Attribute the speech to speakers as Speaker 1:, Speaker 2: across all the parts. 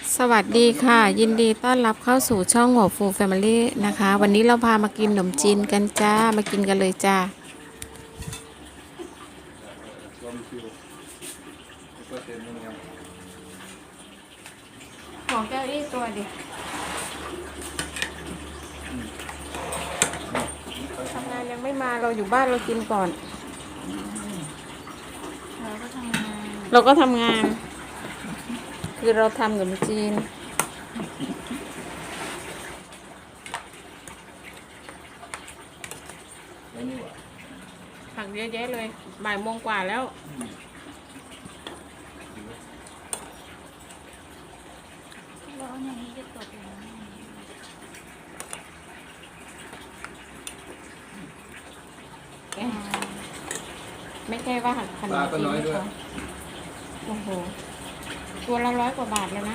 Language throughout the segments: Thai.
Speaker 1: สวัสดีค่ะยินดีต้อนรับเข้าสู่ช่องหัวฟูแฟมิลี่นะคะวันนี้เราพามากินขนมจีนกันจ้ามากินกันเลยจ้าของเจ้าอี้ตัวดิทำงานยังไม่มาเราอยู่บ้านเรากินก่อนเราก็ทำงานคือเราทำขนมจีนผักเยอะแยะเลยบ่ายโมงกว่าแล้วไม่ใช่ว่าขนมจีนเขาโอ้โหตัวละ100 กว่าบาทเลยนะ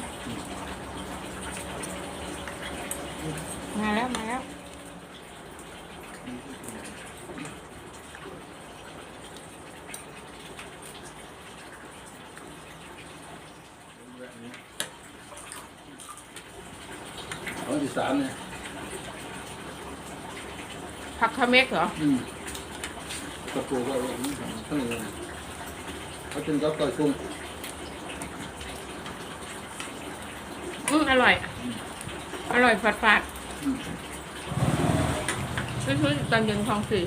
Speaker 1: มาแล้ว
Speaker 2: ของอีสานเนี่ย
Speaker 1: ผักคาเมกเหรอ
Speaker 2: กระปูก็ข้างในเขาจึงก็ต่อยกุ้ง
Speaker 1: อร่อยฝาดซื้อตอนเย็นคลอง4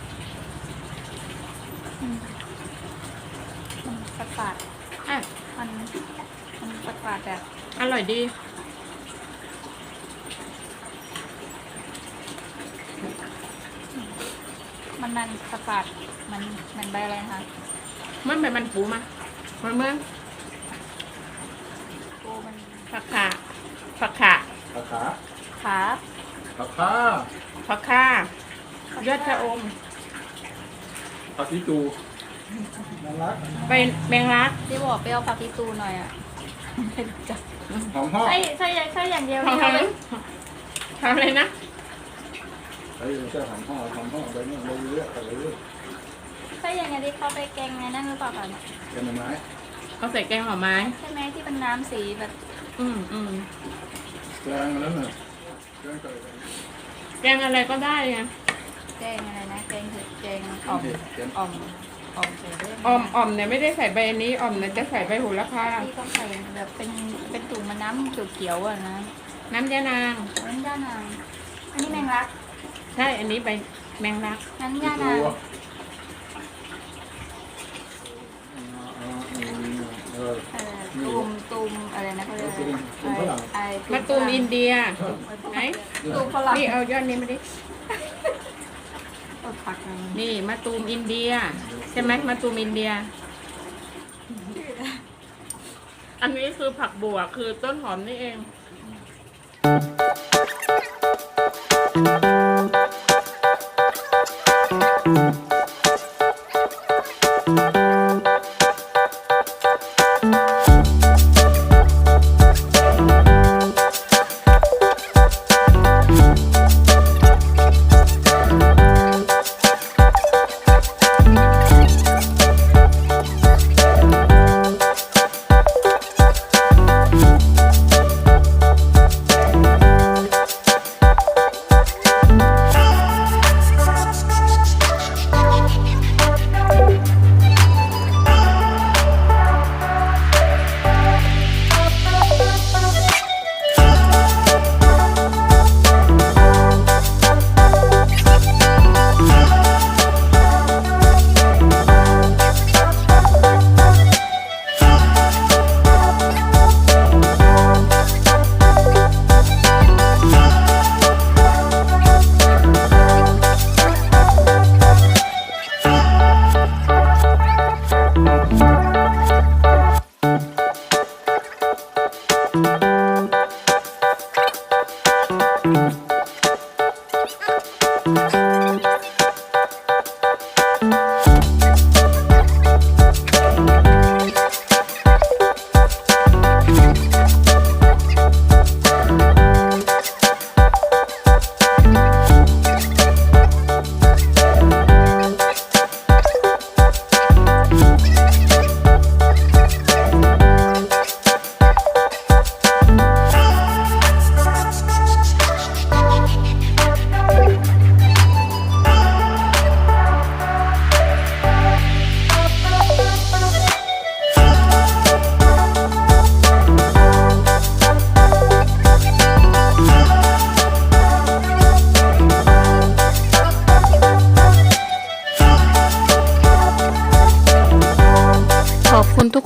Speaker 3: ฝาดมันฝาดแบบ
Speaker 1: อร่อยดี
Speaker 3: มันฝาดมันใบอะไรคะ
Speaker 1: มันเป็นมันปูมาเมื่อ
Speaker 3: ปูมัน
Speaker 1: ผักขายอดชะอม
Speaker 2: ผักที่ตู
Speaker 1: เป็นแมงลัก
Speaker 3: ที่บอกไปเอาผักที่ตูหน่อยอ่ะ
Speaker 2: หอมห่อ
Speaker 3: ใช่อย่างเดียว
Speaker 1: ทำอะไรนะ
Speaker 2: ใช่หอมห่อไปเนี่ยเราเยอะอะไรเยอะ
Speaker 3: ใช่อย่างเงี้ยที่เขาไปแกงไงนั่นหรือเปล่าคะเนี่ย
Speaker 2: แกงหน่อไม้
Speaker 1: เขาใส่แกงหน่อไม้
Speaker 3: ใช่ไหมที่เป็นน้ำสีแบบ
Speaker 2: แกงนั้นน่ะ
Speaker 1: แกงอะไรก็ได้ไง
Speaker 3: แกงอะไรนะแกงอ่อม
Speaker 1: เนี่ยไม่ได้ใส่ใบนี้อ่อมเนี่ยจะใส่ใบโหระพา
Speaker 3: ที่ต้องใส่แบบเป็นถุงมันน้ำเขียวๆอ่ะนะ
Speaker 1: น้ำยานาง
Speaker 3: อันนี้แมงลัก
Speaker 1: ใช่อันนี้ใบแมงลัก
Speaker 3: น้ำยานางตูมอะไรนะเขาเรียก
Speaker 1: มะตูมอินเดียไหน
Speaker 3: ตูมฝรั่ง
Speaker 1: นี่เอายอดนี้มาดิ
Speaker 3: ผัก
Speaker 1: นี่มะตูมอินเดียใช่ไหมมะตูมอินเดียอันนี้คือผักบัวคือต้นหอมนี่เอง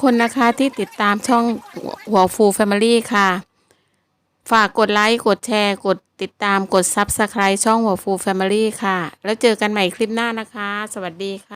Speaker 1: คนนะคะที่ติดตามช่องหัวฟูแฟมิลี่ค่ะ ฝากกดไลค์กดแชร์กดติดตามกด Subscribe ช่องหัวฟูแฟมิลี่ค่ะ แล้วเจอกันใหม่คลิปหน้านะคะ สวัสดีค่ะ